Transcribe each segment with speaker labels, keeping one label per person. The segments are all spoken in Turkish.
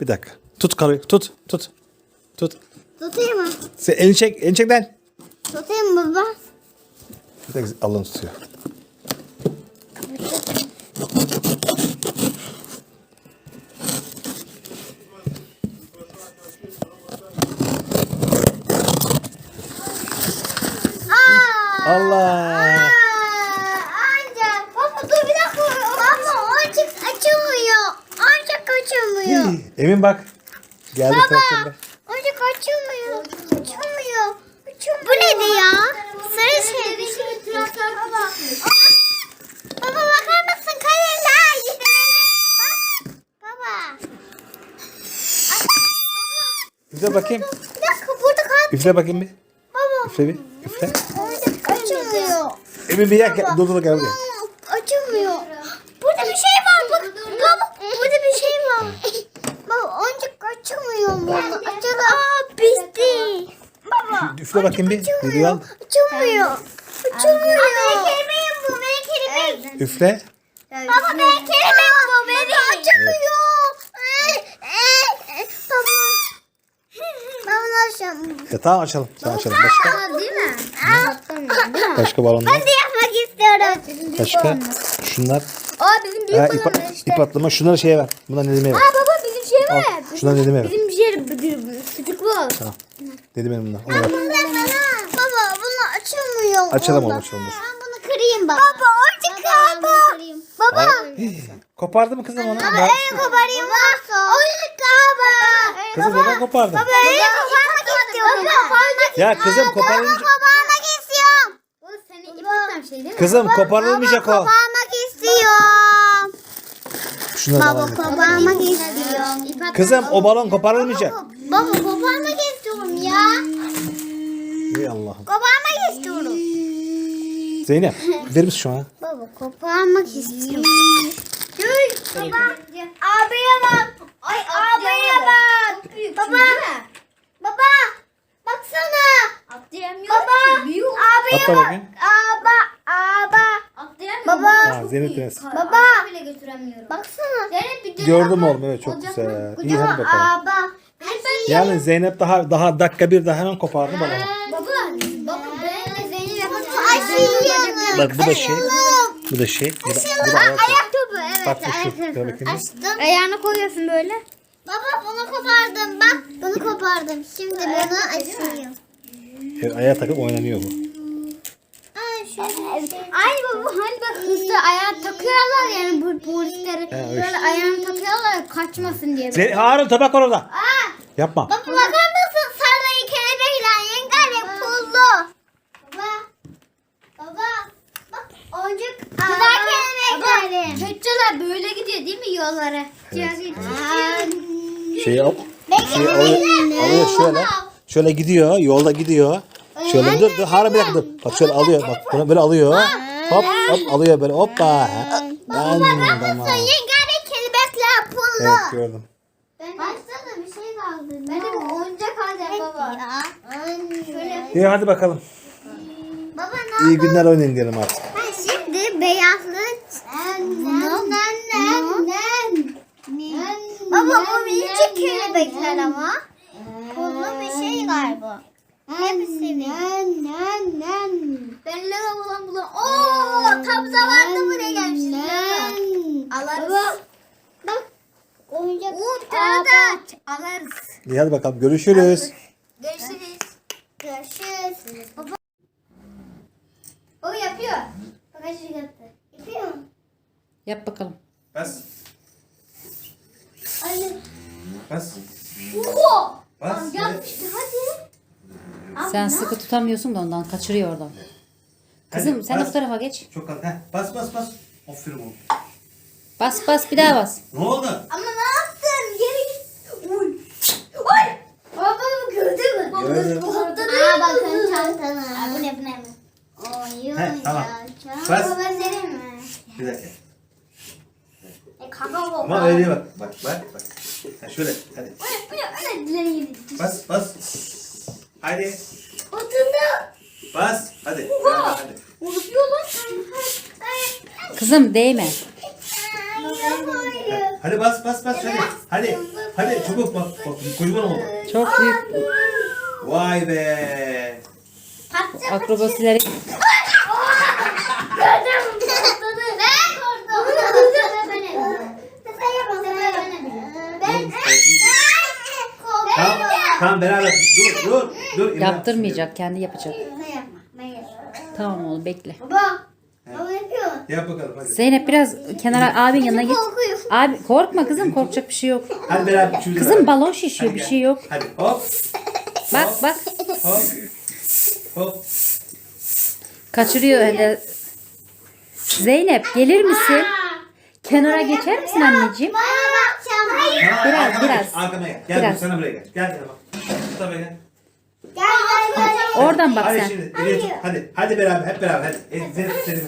Speaker 1: Bir dakika. Tut karıyı. Tut.
Speaker 2: Tutayım mı?
Speaker 1: Sen elini çek. Elini çek lan.
Speaker 2: Tutayım mı baba?
Speaker 1: Bir dakika Allah'ını tutuyor. Allah.
Speaker 2: Anca. Baba dur bir dakika. Baba oyuncak açılmıyor. Oyuncak açılmıyor.
Speaker 1: Emin bak. Geldi traktörle.
Speaker 2: Oyuncak açılmıyor. Açılmıyor. Bu neydi ya? Sarı şey bir şey. Baba. Baba bakar mısın kalemler? Bak. Baba.
Speaker 1: Üfle bakayım.
Speaker 2: Bir dakika burada kal.
Speaker 1: Üfle bakayım bir.
Speaker 2: Baba.
Speaker 1: Üfle bir. Üfle.
Speaker 2: Oyuncak açılmıyor.
Speaker 1: Emin bir yak. Dur gel buraya.
Speaker 2: Açılmıyor. Burada bir şey var bak. Baba burada bir şey var. Baba oyuncak açılmıyor mu? Açılıyor. Aa bitti. Baba.
Speaker 1: Üfle bakayım bir. Video al.
Speaker 2: Açılmıyor. Açılmıyor. Benim kelimeğim bu. Benim kelimeğim.
Speaker 1: Üfle.
Speaker 2: Baba benim kelimeğim bu. Benim açılıyor. Baba. Ben bunu açacağım.
Speaker 1: Tamam açalım. Tamam açalım. Başka?
Speaker 2: Değil mi?
Speaker 1: Başka balonlar.
Speaker 2: Ben de yapmak istiyorum.
Speaker 1: Başka? Şunlar.
Speaker 2: Aa bizim büyük balonlar işte.
Speaker 1: İp atlama. Şunları şeye ver. Bundan Nedim'e ver.
Speaker 2: Aa baba bizim şey var.
Speaker 1: Şundan Nedim'e ver.
Speaker 2: Bizim bir şey küçük bu.
Speaker 1: Tamam. Nedim'e bundan. Onu ver.
Speaker 2: Baba bunu açılmıyor.
Speaker 1: Açalım
Speaker 2: Orada.
Speaker 1: oğlum açalım. Dur.
Speaker 2: Ben bunu kırayım baba. Baba oyuncak baba. Baba.
Speaker 1: Kopardı mı kızım onu?
Speaker 2: Baba öyle koparayım varsa. Oyuncak baba.
Speaker 1: Kızım neden kopardın?
Speaker 2: Baba öyle koparmak istiyorum.
Speaker 1: Ya kızım koparılmayacak.
Speaker 2: Koparmak istiyorum.
Speaker 3: O senin ip atan şey değil mi?
Speaker 1: Kızım koparılmayacak o.
Speaker 2: Koparmak istiyorum.
Speaker 1: Şunları
Speaker 2: Baba
Speaker 1: alalım.
Speaker 2: koparmak istiyorum.
Speaker 1: Kızım o balon koparılmayacak.
Speaker 2: Baba koparmak istiyorum ya.
Speaker 1: Ey Allah'ım.
Speaker 2: Koparmak istiyorum.
Speaker 1: Zeynep verir misin şu an?
Speaker 2: Baba koparmak istiyorum. Dur baba. Abiye bak. Ay abiye bak. Baba. Baba. Baksana.
Speaker 3: Atlayamıyor
Speaker 2: Baba.
Speaker 3: ki. Büyük.
Speaker 2: Abiye
Speaker 1: Atla
Speaker 2: bak.
Speaker 1: bakayım.
Speaker 2: Aba.
Speaker 3: Atlayamıyor.
Speaker 2: Baba.
Speaker 1: Ha, Zeynep Deniz.
Speaker 3: Baba. bile götüremiyorum.
Speaker 2: Baksana.
Speaker 3: Zeynep bir dön
Speaker 1: Gördüm
Speaker 3: ama
Speaker 1: oğlum evet çok
Speaker 3: olacak
Speaker 1: güzel.
Speaker 3: mı?
Speaker 1: İyi hadi bakalım.
Speaker 2: Aba.
Speaker 1: Yani Zeynep daha dakika bir daha hemen kopardı balonu.
Speaker 3: Baba. Baba ben de Zeynep yapalım.
Speaker 2: Açıyorum.
Speaker 1: Bak bu da şey. Bu da şey. Bu da ayak.
Speaker 2: Ayak topu evet.
Speaker 1: Bak bu şu. Gel bakayım.
Speaker 2: Açtım.
Speaker 3: Ayağını koyuyorsun böyle.
Speaker 2: Baba bunu kopardım bak. Bunu kopardım. Şimdi bunu açıyorum.
Speaker 1: Evet, ayağa takıp oynanıyor bu.
Speaker 2: Ay şöyle.
Speaker 3: Ay baba hani bak hızlı ayağa takıyorlar yani bu polisleri.
Speaker 1: öyle
Speaker 3: Böyle ayağını takıyorlar ya, kaçmasın diye.
Speaker 1: Harun tabak var orada. Yapma.
Speaker 2: Baba bakar mısın? Sarayı kelebekle yengar pullu. Baba. Baba. Bak oyuncak. Güzel kelebeklerim.
Speaker 3: Çocuklar böyle gidiyor değil mi yollara?
Speaker 1: Şeyi al. Şeyi alıyor şöyle. Şöyle gidiyor. Yolda gidiyor. Şöyle dur. Harun bir dakika dur. Bak şöyle alıyor. Bak bunu böyle alıyor. Hop hop alıyor böyle. Hoppa. Tamam.
Speaker 2: Yengar kelebekler pullu.
Speaker 1: Evet gördüm.
Speaker 2: Başta da bir şey kaldı.
Speaker 3: Ben de bir oyuncak alacağım baba.
Speaker 2: Şöyle.
Speaker 1: İyi hadi bakalım.
Speaker 2: Baba ne
Speaker 1: İyi günler oynayın diyelim artık.
Speaker 2: Ben şimdi beyazlı Baba bu minicik kelebekler ama. Pullu bir şey galiba. Hepsi
Speaker 3: Ben Lego bulan. Ooo tam zamanında buraya gelmişiz. Alırız.
Speaker 2: Bak oyuncak.
Speaker 3: Bir tane daha alırız.
Speaker 1: İyi hadi bakalım. Görüşürüz.
Speaker 3: Görüşürüz.
Speaker 2: Görüşürüz. Baba
Speaker 3: O yapıyor.
Speaker 2: bagajı yaptı. Yapıyor mu?
Speaker 4: Yap bakalım.
Speaker 1: Bas.
Speaker 2: Anne.
Speaker 1: Bas.
Speaker 3: Oho.
Speaker 1: Bas.
Speaker 3: Yapmıştı hadi.
Speaker 4: Sen sıkı tutamıyorsun da ondan kaçırıyor oradan. Kızım
Speaker 1: Hadi,
Speaker 4: sen
Speaker 1: bas.
Speaker 4: o tarafa geç.
Speaker 1: Çok az. Bas bas bas. Aferin oğlum.
Speaker 4: Bas bas bir daha bas.
Speaker 1: Ne oldu?
Speaker 3: Ama ne yaptın? Geri git. Uy. Oy. Baba bu gördü mü?
Speaker 1: Gördüm.
Speaker 2: Aa bakın çantana.
Speaker 3: Bu ne bu ne?
Speaker 2: Oyun
Speaker 1: Tamam.
Speaker 2: yapacağım.
Speaker 1: Bas.
Speaker 3: Baba vereyim mi?
Speaker 1: Bir dakika.
Speaker 3: Kaka baba.
Speaker 1: Ama öyle bak. Bak bak bak. Ha, şöyle hadi.
Speaker 3: Öyle dileri yedi.
Speaker 1: Bas bas. Hadi.
Speaker 3: Oturdu.
Speaker 1: Bas. Hadi. Hadi.
Speaker 3: Unutuyor lan.
Speaker 4: Kızım değme.
Speaker 2: Buraya koyuyor.
Speaker 1: Hadi bas hadi. Hadi çabuk bak kocaman oldu.
Speaker 4: Çok büyük
Speaker 1: Vay be.
Speaker 4: akrobasileri. Tamam beraber dur. İmran. Yaptırmayacak, kendi yapacak. Tamam oğlum bekle.
Speaker 1: Yap bakalım hadi.
Speaker 4: Zeynep biraz kenara abinin yanına git.
Speaker 2: Korkuyorum.
Speaker 4: Abi korkma kızım, korkacak bir şey yok.
Speaker 1: Hadi beraber üçümüz de
Speaker 4: Kızım
Speaker 1: beraber.
Speaker 4: balon şişiyor,
Speaker 1: Hadi
Speaker 4: bir
Speaker 1: gel.
Speaker 4: şey yok.
Speaker 1: Hadi hop
Speaker 4: Bak
Speaker 1: hop.
Speaker 4: kaçırıyor hele. Zeynep gelir misin? Kenara geçer misin anneciğim?
Speaker 1: Tamam,
Speaker 4: Biraz,
Speaker 1: arkama
Speaker 4: biraz.
Speaker 1: geç, arkama gel. Gel
Speaker 4: Biraz.
Speaker 1: dur, sana buraya gel. Gel bak. Tut da gel.
Speaker 4: Oradan bak
Speaker 1: Hadi
Speaker 4: sen.
Speaker 1: şimdi elini tut. Hadi beraber hep beraber hadi. Zeynep seni.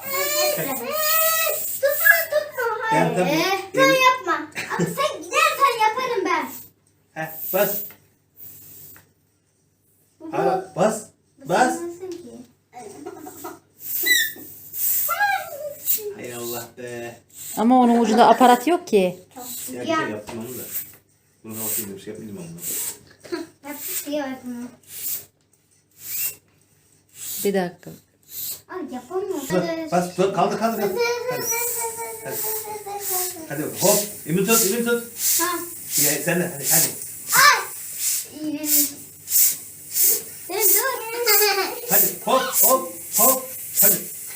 Speaker 1: Gel tabii.
Speaker 3: Sen yapma. Abi sen gidersen yaparım ben.
Speaker 1: Heh, bas. Hadi bas. Bas. Hay Allah be.
Speaker 4: Ama onun ucunda aparat yok ki.
Speaker 1: Ya bir şey yaptım onu da. Bunu bakayım bir şey yapmayayım onu.
Speaker 4: Bir dakika.
Speaker 3: Ay yapamıyorum.
Speaker 1: Bas kaldır. Hadi. Hadi bak, hop. Emin tut.
Speaker 3: Tamam.
Speaker 1: Ya, sen de hadi.
Speaker 3: Sen dur.
Speaker 1: Hadi hop. Hadi.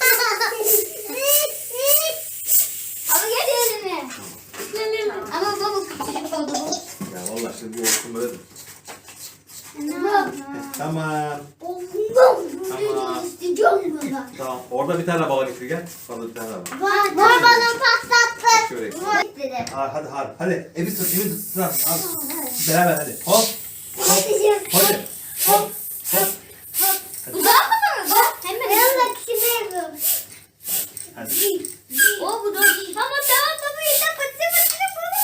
Speaker 3: Ama gel elime. Ama baba küçük oldu bu.
Speaker 1: Ya vallahi şimdi bu olsun böyle.
Speaker 3: Tamam.
Speaker 1: Tamam. Tamam.
Speaker 3: İsteyeceğim baba.
Speaker 1: Tamam. Orada bir tane bala getir gel. Orada bir tane daha var.
Speaker 3: Var bana patlattı.
Speaker 1: Şöyle.
Speaker 3: Var dedi.
Speaker 1: Hadi. Evi tut. Hadi. Beraber hadi. Hop. Hadi. Hop.
Speaker 3: Bu daha mı var? Hemen. Ben yapıyorum.
Speaker 1: Hadi.
Speaker 3: O bu da. Tamam baba yeter. Pıtı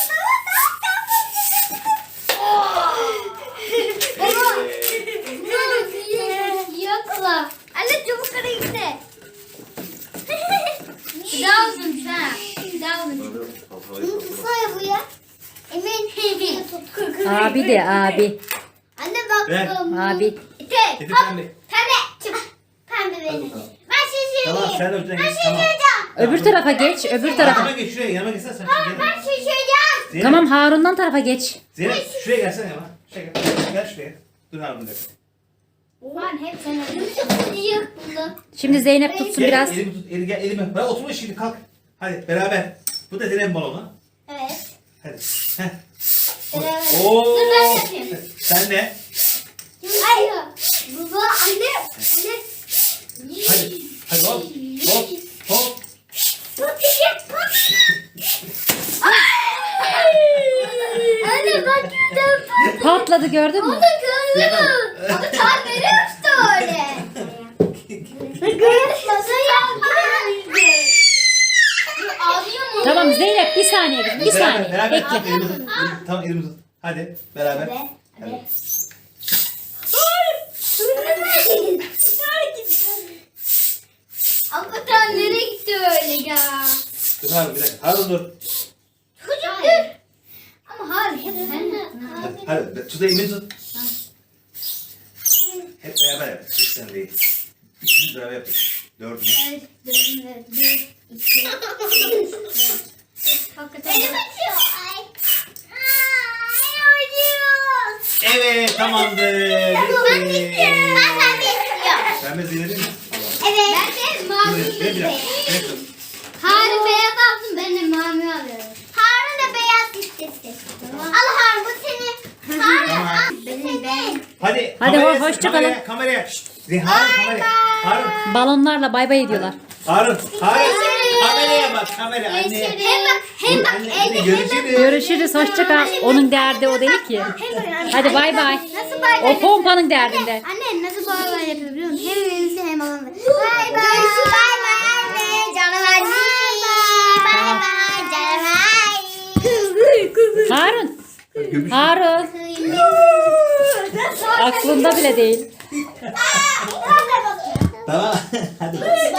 Speaker 3: Yokla. Anne çabuk kara gitti. Bir daha uzun bir daha. Bir daha uzun. Tutsana bu ya. Emin. Tut.
Speaker 4: Abi de abi.
Speaker 3: Anne bak.
Speaker 1: Ver.
Speaker 4: Abi.
Speaker 3: Tek.
Speaker 1: Getir pembe.
Speaker 3: Pembe. Çık. Pembe
Speaker 1: Hadi
Speaker 3: benim.
Speaker 1: bakalım.
Speaker 3: Ben şişireyim.
Speaker 1: Tamam sen de ötene
Speaker 3: Ben
Speaker 1: geç. Tamam.
Speaker 3: şişireceğim.
Speaker 4: Öbür tarafa geç, öbür tarafa.
Speaker 1: Yanıma geç şuraya. Yanıma geçsene sen.
Speaker 3: Ben şişireceğim.
Speaker 1: Zeynep.
Speaker 4: Tamam Harun'dan tarafa geç.
Speaker 1: Zeynep şuraya gelsene yanıma. Şuraya gel. Gel şuraya. Dur abi bir dakika.
Speaker 3: Ulan hep sana yık bunu.
Speaker 4: Şimdi Zeynep tutsun
Speaker 1: Gel,
Speaker 4: biraz.
Speaker 1: elimi tut. Gel elimi. Ben oturma şimdi kalk. Hadi beraber. Bu da Zeynep balonu.
Speaker 3: Evet.
Speaker 1: Hadi. Heh.
Speaker 3: Beraber.
Speaker 1: Oo.
Speaker 3: Dur ben yapayım.
Speaker 1: Sen de.
Speaker 3: Ay. Baba anne. Anne.
Speaker 1: Hadi hop. Hop.
Speaker 3: Anne bak gördüm.
Speaker 4: Patladı gördün mü?
Speaker 3: O da gördüm. O da tabiri uçtu öyle. Nasıl yaptın? Ağlıyor mu?
Speaker 4: Tamam Zeynep bir saniye kızım, bir saniye.
Speaker 1: Beraber.
Speaker 4: Bekle.
Speaker 1: Elimi tut. Tamam elimi tut. Hadi beraber.
Speaker 3: Hadi. Hakikaten nereye gitti öyle ya?
Speaker 1: Dur Harun bir dakika. Harun dur.
Speaker 3: Çocuk dur. Ama hayır hep sen de.
Speaker 1: Hadi tut elimi tut. Hep beraber yap. Hiç sen değil. Üçümüz beraber yapıyoruz. Dördümüz.
Speaker 3: Evet, bir, iki, üç. Hakikaten. Elim acıyor. Ay. Ay acıyor.
Speaker 1: Evet tamamdır.
Speaker 3: Ben de istiyorum. Ben de istiyorum.
Speaker 1: Ben de Zeynep'im mi? Tamam.
Speaker 3: Evet. Ben de mavi
Speaker 1: Dur, bir dakika.
Speaker 3: istiyorum. Harun beyaz alsın, ben de mavi alıyorum. Harun da beyaz istesin. Al Harun bu senin. Harun
Speaker 1: Tamam.
Speaker 3: al. Benim.
Speaker 1: Hadi.
Speaker 4: Hadi,
Speaker 1: kameraya-
Speaker 4: hoşça kalın.
Speaker 1: Kameraya. Şşt. Harun kameraya. Harun.
Speaker 4: Balonlarla bay bay ediyorlar.
Speaker 1: Harun. Kameraya bak kamera anneye.
Speaker 3: Hem bak
Speaker 1: Anne görüşürüz.
Speaker 4: Görüşürüz, hoşça kal. Onun derdi o değil ki. Hadi bay bay.
Speaker 3: Nasıl bay bay?
Speaker 4: O pompanın derdinde.
Speaker 3: Anne nasıl bay bay yapıyor biliyor musun? Hem elinizi hem alın. Bay bay. Bay bay anne. Canım anne. Bay bay canım anne.
Speaker 4: Harun.
Speaker 1: Gömüş.
Speaker 4: Harun. Aklında bile değil.
Speaker 1: Tamam. Hadi.